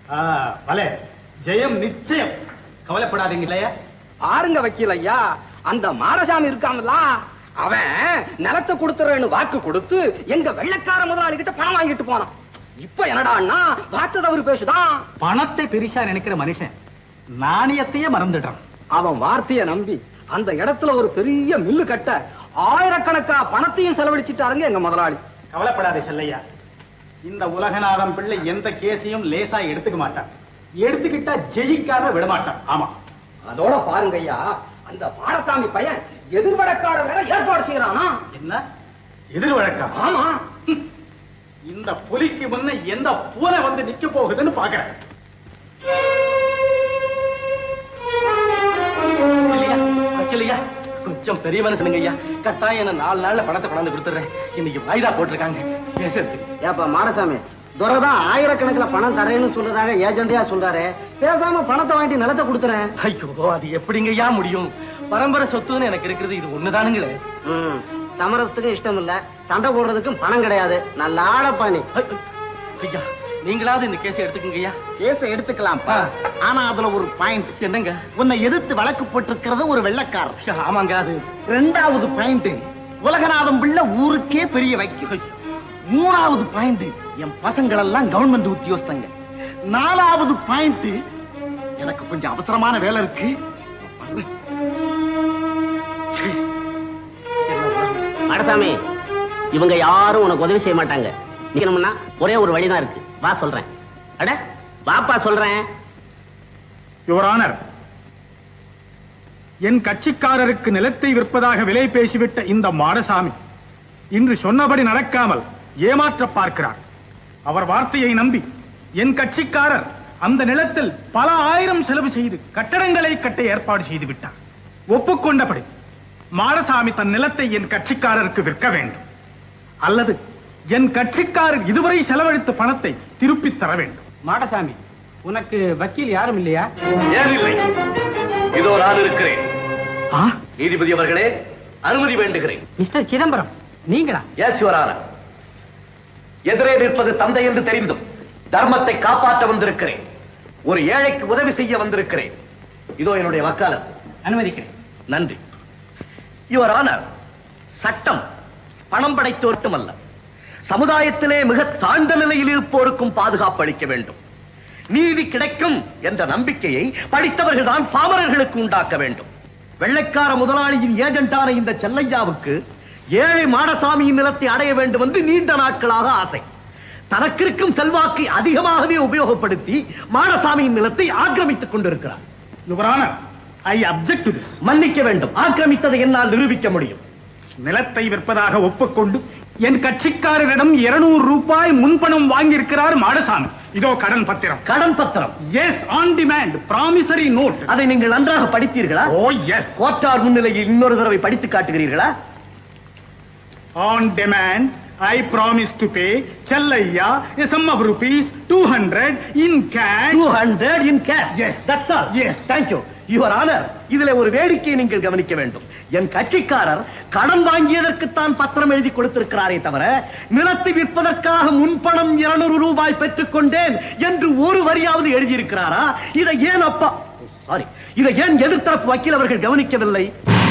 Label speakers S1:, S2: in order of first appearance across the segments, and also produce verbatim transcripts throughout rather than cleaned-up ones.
S1: பலே ஜெயம் நிச்சயம். கவலைப்படாதீங்க இல்லையா?
S2: ஆருங்க வக்கீல் ஐயா, அந்த மாடசாமி இருக்காமல, அவன் நிலத்தை கொடுத்துறேன்னு வாக்கு கொடுத்து எங்க வெள்ளக்கார முதலாளி கிட்ட பணம் வாங்கிட்டு போனான். இப்ப என்னடான்னா வார்த்தை தவறு பேசுதான்.
S1: பணத்தை பெரிசா நினைக்கிற மனுஷன் நாணயத்தையே மறந்துடுறான்.
S2: அவன் வார்த்தையை நம்பி அந்த இடத்துல ஒரு பெரிய மில்லு கட்ட ஆயிரக்கணக்கா பணத்தையும் செலவழிச்சிட்டாருங்க எங்க முதலாளி.
S1: கவலைப்படாதே செல்லையா, இந்த உலகநாதம் பிள்ளை எந்த கேஸையும் லேசா எடுத்துக்க மாட்டான். எடுத்துக்கிட்டா ஜெயிக்காம விடமாட்டான். ஆமா,
S2: அதோட பாருங்க ஐயா, அந்த மாடசாமி பையன் எதிர்வழக்காட வேற ஏற்பாடு செய்யறானா.
S1: என்ன எதிர்வழக்கா?
S2: ஆமா,
S1: இந்த புலிக்கு முன்ன எந்த பூனை வந்து நிக்க போகுதுன்னு பாக்குறேன். கொஞ்சம் பெரிய மனுஷனுங்க ஐயா, கட்டாயம் என்ன நாலு நாள்ல பணத்தை கொண்டாந்து கொடுத்துறேன். இன்னைக்கு வாய்தா போட்டிருக்காங்க பேசுறது.
S3: ஏப்பா மாடசாமி, துரைதான் ஆயிரக்கணக்கில் பணம் தரேன்னு சொல்றதாக ஏஜெண்டியா சொல்றாரு. பேசாம பணத்தை வாங்கிட்டு நிலத்தை கொடுத்துறேன்.
S1: ஐயோ, அது எப்படிங்க ஐயா முடியும்? பரம்பரை சொத்துன்னு எனக்கு இருக்கிறது இது ஒண்ணுதானுங்களே.
S3: சமரசத்துக்கும் இஷ்டம் இல்ல, சண்டை போடுறதுக்கும் பணம் கிடையாது. நல்ல ஆடப்பா நீ.
S1: ஐயா, நீங்களாவது இந்த கேஸை எடுத்துக்கங்க ஐயா.
S3: கேஸை எடுத்துக்கலாம், ஆனா அதுல ஒரு பாயிண்ட்.
S1: என்னங்க?
S3: உன்னை எதிர்த்து வழக்கு போட்டிருக்கிறது ஒரு வெள்ளக்காரர்.
S1: ஆமாங்க. அது
S3: ரெண்டாவது பாயிண்ட், உலகநாதம் பிள்ளை ஊருக்கே பெரிய வைக்க. மூணாவது பாயிண்ட், என் பசங்கள் எல்லாம் கவர்மெண்ட் உத்தியோகஸ்தங்க. நாலாவது பாயிண்ட், எனக்கு கொஞ்சம் அவசரமான வேலை இருக்கு.
S4: மாடசாமி, இவங்க யாரும் உனக்கு உதவி செய்ய மாட்டாங்க. நிக்கணும்னா ஒரே ஒரு வழிதான் இருக்கு. வா சொல்றேன். அட வாப்பா சொல்றேன்.
S1: யுவர் ஆனர், என் கட்சிக்காரருக்கு நிலத்தை விற்பதாக விலை பேசிவிட்ட இந்த மாடசாமி இன்று சொன்னபடி நடக்காமல் ஏமாற்ற பார்க்கிறார். அவர் வார்த்தையை நம்பி என் கட்சிக்காரர் அந்த நிலத்தில் பல ஆயிரம் செலவு செய்து கட்டடங்களை கட்ட ஏற்பாடு செய்து விட்டார். ஒப்புக்கொண்டபடி மாடசாமி தன் நிலத்தை என் கட்சிக்காரருக்கு விற்க வேண்டும், அல்லது என் கட்சிக்காரர் இதுவரை செலவழித்த பணத்தை திருப்பி தர வேண்டும்.
S2: மாடசாமி, உனக்கு வக்கீல் யாரும் இல்லையா?
S5: ஏன் இல்லை? இதோ நான் இருக்கிறேன். நீதிபதி அவர்களே, அனுமதி வேண்டுகிறேன்.
S2: மிஸ்டர் சிதம்பரம், நீங்களா?
S5: Yes your honour. எதிரே நிற்பது தந்தை என்று தெரிந்தும் தர்மத்தை காப்பாற்ற வந்திருக்கிறேன். ஒரு ஏழைக்கு உதவி செய்ய வந்திருக்கிறேன். இதோ என்னுடைய வக்காலத்.
S2: அனுமதிக்கிறேன்.
S5: நன்றி. யுவர் ஆனர், சட்டம் பணம் படைத்தோர்க்கும் அல்ல, சமுதாயத்திலே மிக தாழ்ந்த நிலையில் இருப்போருக்கும் பாதுகாப்பு அளிக்க வேண்டும். நீதி கிடைக்கும் என்ற நம்பிக்கையை படித்தவர்கள் தான் பாமரர்களுக்கு உண்டாக்க வேண்டும். வெள்ளைக்கார முதலாளியின் ஏஜென்டான இந்த செல்லையாவுக்கு ஏழை மாடசாமியின் நிலத்தை அடைய வேண்டும் என்று நீண்ட நாட்களாக ஆசை. தனக்கிருக்கும் செல்வாக்கை அதிகமாகவே உபயோகப்படுத்தி மாடசாமியின் நிலத்தை ஆக்கிரமித்துக் கொண்டிருக்கிறார்.
S1: Your honour, I object to this.
S5: மன்னிக்க வேண்டும், ஆக்கிரமித்ததை என்னால் நிரூபிக்க முடியும்.
S1: நிலத்தை விற்பதாக ஒப்புக்கொண்டு என் கட்சிக்காரரிடம் இருநூறு ரூபாய் முன்பணம் வாங்கியிருக்கிறார் மாடசாமி. இதோ கடன் பத்திரம்.
S5: கடன் பத்திரம்?
S1: Yes, on demand promissory note.
S5: அதை நீங்கள் நன்றாக படித்தீர்களா?
S1: ஓ எஸ்.
S5: கோட்டார் முன்னிலையில் இன்னொரு தடவை படித்து காட்டுகிறீர்களா?
S1: On demand I promise to pay Chellaiya a sum of rupees two hundred in cash.
S5: two hundred in cash?
S1: Yes.
S5: That's all?
S1: Yes.
S5: Thank you. Your Honor, இதிலே ஒரு வேடிக்கையை நீங்கள் கவனிக்க வேண்டும். என் கட்சிக்காரர் கடன் வாங்கியதற்குத்தான் பத்திரம் எழுதி கொடுத்திருக்கிறாரே தவிர நிலத்தை விற்பதற்காக முன்பணம் இருநூறு ரூபாய் பெற்றுக் கொண்டேன் என்று ஒரு வரியாவது எழுதியிருக்கிறாரா? இதை ஏன் அப்பா சாரி இதை ஏன் எதிர்த்தரப்பு வக்கீல் அவர்கள் கவனிக்கவில்லை?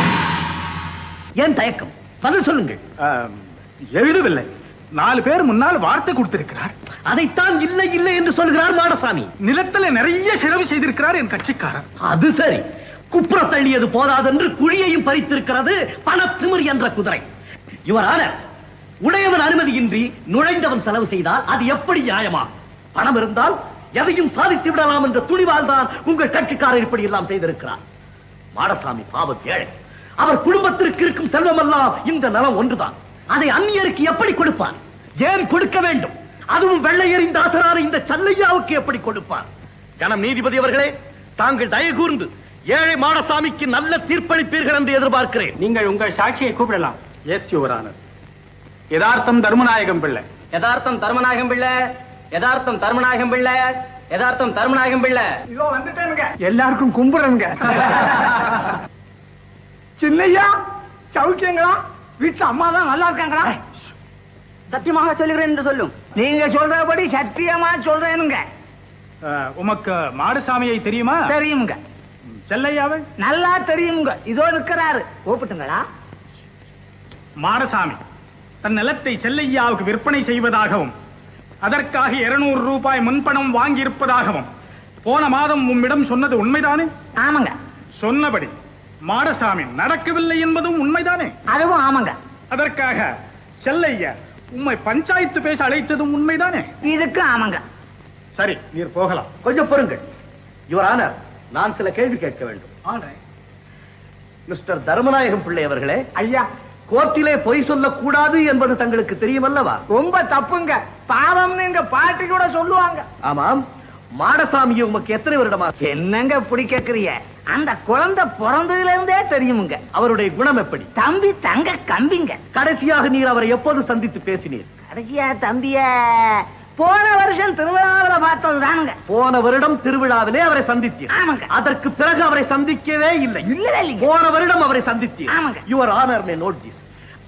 S5: ஏன் தயக்கம்? பதில் சொல்லுங்கள்.
S1: எழுதவில்லை. நாலு பேர் முன்னால் வார்த்தை கொடுத்திருக்கிறார்.
S5: அதைத்தான் இல்லை இல்லை என்று சொல்கிறார் மாடசாமி.
S1: நிலத்தில் நிறைய செலவு செய்திருக்கிறார் என் கட்சிக்காரர்.
S5: அது சரி, குப்புற தள்ளியது போதாதென்று குழியையும் பறித்திருக்கிறது பணத்திமிர் என்ற குதிரை. யுவர் ஆனர், உடையவன் அனுமதியின்றி நுழைந்தவன் செலவு செய்தால் அது எப்படி நியாயமா? பணம் இருந்தால் எதையும் சாதித்து விடலாம் என்ற துணிவால் தான் உங்கள் கட்சிக்காரர் இப்படி எல்லாம் செய்திருக்கிறார். மாடசாமி பாவம் ஏழை. அவர் குடும்பத்திற்கு இருக்கும் செல்வமெல்லாம் இந்த நலம் ஒன்றுதான். அதை அந்நியருக்கு எப்படி கொடுப்பார்? ஏன் கொடுக்க வேண்டும்? அதுவும் வெள்ளையரின் தாசரான இந்த செல்லையாவுக்கு எப்படி கொடுப்பார்? கனம் நீதிபதி அவர்களே, தாங்கள் தயவு கூர்ந்து ஏழை மாடசாமிக்கு நல்ல தீர்ப்பளிப்பீர்கள் என்று எதிர்பார்க்கிறேன்.
S2: நீங்கள் உங்கள் சாட்சியை கூப்பிடலாம்.
S1: Yes your honour. Yathartham Dharmanayagam பிள்ளை.
S2: யதார்த்தம் தர்மநாயகம் பிள்ளை. யதார்த்தம் தர்மநாயகம் பிள்ளை. யதார்த்தம் தர்மநாயகம் பிள்ளை.
S1: இதோ வந்துட்டேனுங்க. எல்லாருக்கும் கும்புறனுங்க. சின்னையா, சௌக்கியங்களா? வீட்டு அம்மா தான் நல்லா இருக்காங்களா?
S3: சத்தியமாக சொல்லுகிறேன் என்று சொல்லும். நீங்க சொல்றபடி சத்தியமா சொல்றேனுங்க.
S1: அஹ், உமக்கு மாடசாமியை தெரியுமா?
S6: தெரியுங்க,
S1: செல்லையாவை?
S6: நல்லா தெரியுங்க. இதோ இருக்கிறாரு, கூப்பிட்டுங்களா?
S1: மாடசாமி தன் நிலத்தை செல்லையாவுக்கு விற்பனை செய்வதாகவும் அதற்காக இருநூறு ரூபாய் முன்பணம் வாங்கியிருப்பதாகவும் போன மாதம் உம்மிடம் சொன்னது உண்மைதானே?
S6: ஆமாங்க.
S1: சொன்னபடி மாடசாமி நடக்கவில்லை என்பதும் உண்மைதானே?
S6: அதுவும் ஆமாங்க.
S1: அதற்காக செல்லையா உம்மை பஞ்சாயத்து பேச அழைத்ததும் உண்மைதானே?
S6: இதுக்கு ஆமாங்க.
S1: சரி, நீர் போகலாம்.
S5: கொஞ்சம் பொறுங்கள் யுவர் ஆனர், நான் சில கேள்வி கேட்க வேண்டும். மிஸ்டர் தர்மநாயகம் பிள்ளை அவர்களே,
S6: ஐயா,
S5: கோர்ட்டிலே பொய் சொல்லக்கூடாது என்பது தங்களுக்கு தெரியுமல்லவா?
S6: ரொம்ப தப்புங்க. பாவம்னு எங்க பாட்டி கூட சொல்லுவாங்க.
S5: ஆமாம். மாடசாமியை உமக்கு எத்தனை வருடமா?
S6: என்னங்க இப்படி கேக்குறீங்க? அந்த குழந்தை பிறந்ததுல இருந்தே தெரியுமுங்க.
S5: அவருடைய குணம் எப்படி?
S6: தம்பி தங்க கம்பிங்க.
S5: கடைசியாக நீர் அவரை எப்போது சந்தித்து பேசினீர்?
S6: கடைசியா தம்பிய போன வருஷம் திருவிழாவில பார்த்ததுதானுங்க.
S5: போன வருடம் திருவிழாவிலே அவரை சந்தித்தீர்.
S6: ஆமாங்க.
S5: அதற்கு பிறகு அவரை சந்திக்கவே இல்லை.
S6: இல்ல இல்லைங்க.
S5: போன வருடம் அவரை சந்தித்தீர்.
S6: ஆமாங்க.
S5: Your honour may note this.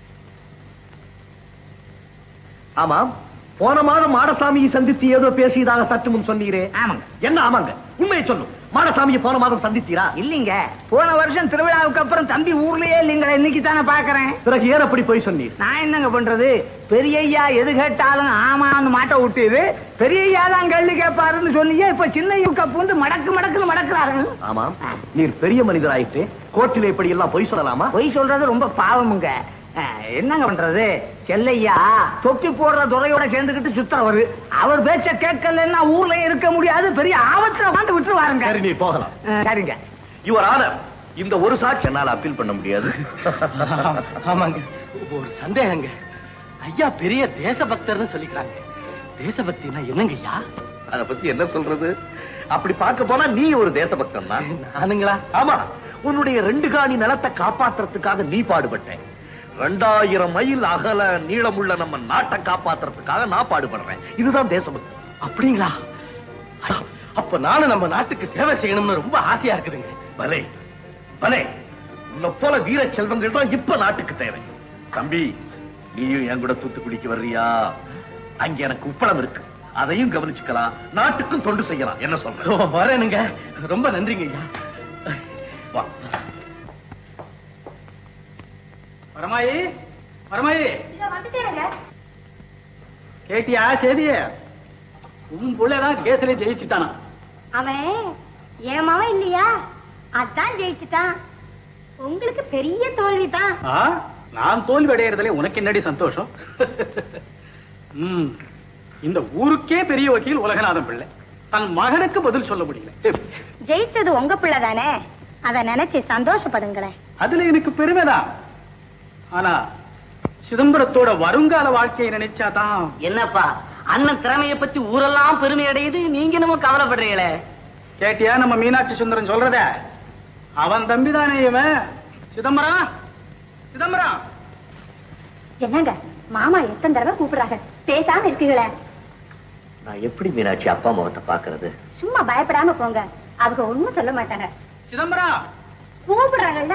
S5: ஆமாம், போன மாதம் மாடசாமியை சந்தித்து ஏதோ பேசியதாக சற்று முன் சொன்னீரே.
S6: ஆமாங்க.
S5: என்ன ஆமாங்க? உண்மையை சொல்லும். மாடசாமியை போன மாதம் சந்தித்தீரா?
S6: இல்லீங்க, போன வருஷம் திருவிழாவுக்கு அப்புறம் தம்பி ஊர்லயே இல்லீங்களா, இன்னைக்கு தானே பாக்குறேன்.
S5: பிறகு ஏன் அப்படி போய் சொன்னீர்?
S6: நான் என்னங்க பண்றது, பெரியய்யா எது கேட்டாலும் ஆமான்னு மாட்ட விட்டுது. பெரியய்யா தான் கேள்வி கேட்பாருன்னு சொன்னீங்க. இப்ப சின்ன பூந்து மடக்கு மடக்குன்னு மடக்குறாரு.
S5: ஆமாம், நீர் பெரிய மனிதராயிட்டு கோர்ட்டில் இப்படி எல்லாம் பொய் சொல்லலாமா?
S6: பொய் சொல்றது ரொம்ப பாவமுங்க. அஹ், என்னங்க பண்றது, செல்லையா தொப்பி போடுற துறையோட சேர்ந்துக்கிட்டு சுத்துறவரு. அவர் பேச்ச கேட்கலன்னா ஊர்ல இருக்க முடியாது, பெரிய ஆபத்துல வாழ்ந்து விட்டுருவாருங்க.
S5: சரி, நீ போகலாம்.
S6: அஹ், சரிங்க.
S5: யுவர் ஆனர், இந்த ஒரு சாட்சி என்னால் அப்பீல் பண்ண முடியாது.
S3: ஆமாங்க, ஒரு சந்தேகங்க. ஐயா பெரிய தேசபக்தர்னு சொல்லிக்கிறாங்க. தேசபக்தினா என்னங்க ஐயா?
S5: அத பத்தி என்ன சொல்றது? அப்படி பார்க்க போனா நீ ஒரு தேசபக்தன் தான்.
S3: நானுங்களா?
S5: ஆமா, உன்னுடைய ரெண்டு காணி நிலத்தை காப்பாத்துறதுக்காக நீ பாடுபட்டேன். ரெண்டாயிரம் மைல் அகல நீளமுள்ள நம்ம நாட்டை காப்பாத்துறதுக்காக நான் பாடுபடுறேன். இதுதான் தேசபக்தி.
S3: அப்படிங்களா? அப்ப நானும் நம்ம நாட்டுக்கு சேவை செய்யணும்னு ரொம்ப ஆசையா இருக்குதுங்க.
S5: பலே பலே, உன்னை போல வீர செல்வங்கள் தான் இப்ப நாட்டுக்கு தேவை. தம்பி, நீயும் என் கூட தூத்துக்குடிக்கு வர்றியா? அங்க எனக்கு உப்பளம் இருக்கு, அதையும் கவனிச்சுக்கலாம், நாட்டுக்கும் தொண்டு செய்யலாம். என்ன சொல்ற?
S3: வரேனுங்க. ரொம்ப நன்றிங்க ஐயா.
S5: வா.
S1: வரமாயி, வரமாயி, கேட்டியா சேதிய? உன் புள்ளதான் கேஸ்ல ஜெயிச்சுட்டானா?
S7: அவன் ஏமாவன் இல்லையா, அதான் ஜெயிச்சுட்டான். உங்களுக்கு பெரிய தோல்விதான்.
S1: ஆ, நான் தோல்வி அடையறதுல உனக்கு என்னடி சந்தோஷம்? ம், இந்த ஊருக்கே பெரிய வக்கீல் உலகநாதன் பிள்ளை தன் மகனுக்கு பதில் சொல்ல முடியல.
S7: ஜெயிச்சது உங்க பிள்ளை தானே, அத நினைச்சு சந்தோஷப்படுங்களேன்.
S1: அதுல எனக்கு பெருமைதான். ஆனா சிதம்பரத்தோட வருங்கால வாழ்க்கையை நினைச்சாதான்.
S4: என்னப்பா, அண்ணன் திறமையை பத்தி ஊரெல்லாம் பெருமை அடையுது, நீங்க என்னமோ கவலைப்படுறீங்களே.
S1: கேட்டியா நம்ம மீனாட்சி சுந்தரம் சொல்றத? அவன் தம்பிதானே இவன். சிதம்பரம், சிதம்பரம்.
S7: என்னங்க மாமா எத்தனை தடவை கூப்பிடுறாங்க, பேசாம இருக்கீங்களே.
S5: நான் எப்படி மீனாட்சி அப்பா முகத்தை பாக்குறது?
S7: சும்மா பயப்படாம போங்க, அவங்க ஒண்ணும் சொல்ல மாட்டாங்க.
S1: சிதம்பரம்,
S7: கூப்பிடுறாங்கல்ல.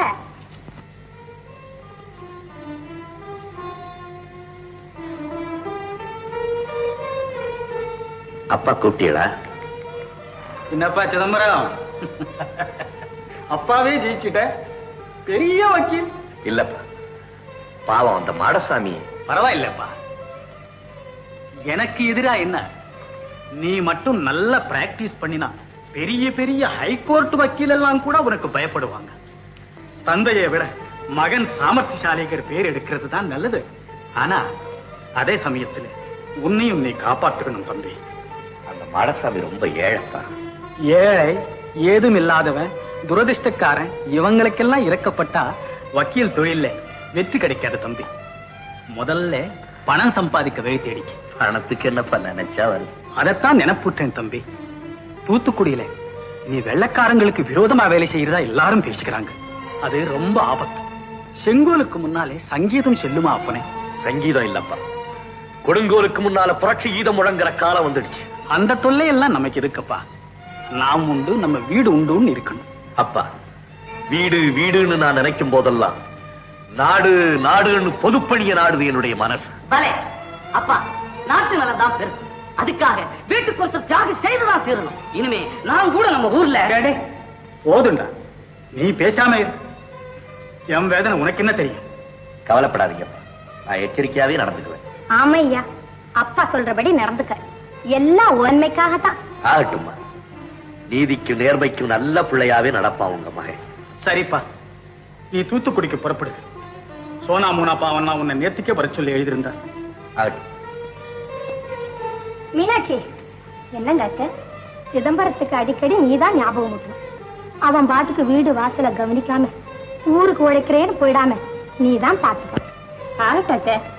S5: அப்பா கூப்பிட்டீங்களா?
S1: என்னப்பா சிதம்பரம், அப்பாவே ஜெயிச்சுட்ட, பெரிய வக்கீல்.
S5: இல்லப்பா, பாவம் அந்த மாடசாமி.
S1: பரவாயில்லப்பா, எனக்கு எதிரா என்ன? நீ மட்டும் நல்ல பிராக்டிஸ் பண்ணினா பெரிய பெரிய ஹைகோர்ட் வக்கீல் எல்லாம் கூட உனக்கு பயப்படுவாங்க. தந்தையை விட மகன் சாமர்த்தியசாலிகர் பேர் எடுக்கிறது தான் நல்லது. ஆனா அதே சமயத்துல உன்னையும் நீ காப்பாத்துக்கணும் தம்பி.
S5: அந்த மாடசாமி ரொம்ப ஏழைப்பா.
S1: ஏழை, ஏதும் இல்லாதவன், துரதிர்ஷ்டக்காரன், இவங்களுக்கெல்லாம் இறக்கப்பட்டா வக்கீல் தொழில வெற்றி கிடைக்காது தம்பி. முதல்ல பணம் சம்பாதிக்க வழி தேடிக்க.
S5: பணத்துக்கு என்னப்பா நினைச்சா வருது.
S1: அதைத்தான் நினைப்புட்டேன் தம்பி. தூத்துக்குடியில நீ வெள்ளக்காரங்களுக்கு விரோதமா வேலை செய்யறதா எல்லாரும் பேசிக்கிறாங்க. அது ரொம்ப ஆபத்து. செங்கோலுக்கு முன்னாலே சங்கீதம் செல்லுமா அப்பனே?
S5: சங்கீதம் இல்லப்பா, கொடுங்கோலுக்கு முன்னால புரட்சி கீதம் முழங்குற காலம் வந்துடுச்சு.
S1: அந்த தொல்லை எல்லாம் நமக்கு எதுக்குப்பா? நாம் உண்டு, நம்ம வீடு உண்டுன்னு இருக்கணும்.
S5: அப்பா, வீடு வீடுன்னு நான் நினைக்கும் போதெல்லாம் நாடு நாடுன்னு பொதுப்பணிய நாடுது என்னுடைய மனசு.
S4: பலே அப்பா, நாட்டு நலம் தான் பெருசு.
S6: அதுக்காக வீட்டுக்கு ஒருத்தர் தியாகம் செய்துதான் தீரணும். இனிமே நான் கூட நம்ம ஊர்ல
S1: டேடே, போதுண்டா, நீ பேசாம இரு. என் வேதனை உனக்கு என்ன தெரியும்?
S5: கவலைப்படாதீங்க, நான் எச்சரிக்கையாவே நடந்துக்குவேன்.
S7: ஆமையா, அப்பா சொல்றபடி நடந்துக்க. எல்லாம் உண்மைக்காகத்தான்.
S5: ஆகட்டும்மா, நீதிக்கும் நேர்மைக்கும் நல்ல பிள்ளையாவே நடப்பா உங்க மகன்.
S1: சரிப்பா, நீ தூத்துக்குடிக்கு புறப்படு. சோனா மூனா பாவன்னா உன்னை நேர்த்திக்கே வர சொல்லி எழுதியிருந்தார்.
S5: ஆகட்டும்.
S7: மீனாட்சி, என்னங்க அத்தை, சிதம்பரத்துக்கு அடிக்கடி நீதான் ஞாபகம் ஊட்டணும். அவன் பாட்டுக்கு வீடு வாசல கவனிக்காம ஊருக்கு உழைக்கிறேன்னு போயிடாம நீதான் பாத்துக்க. ஆகட்டும் அத்தை.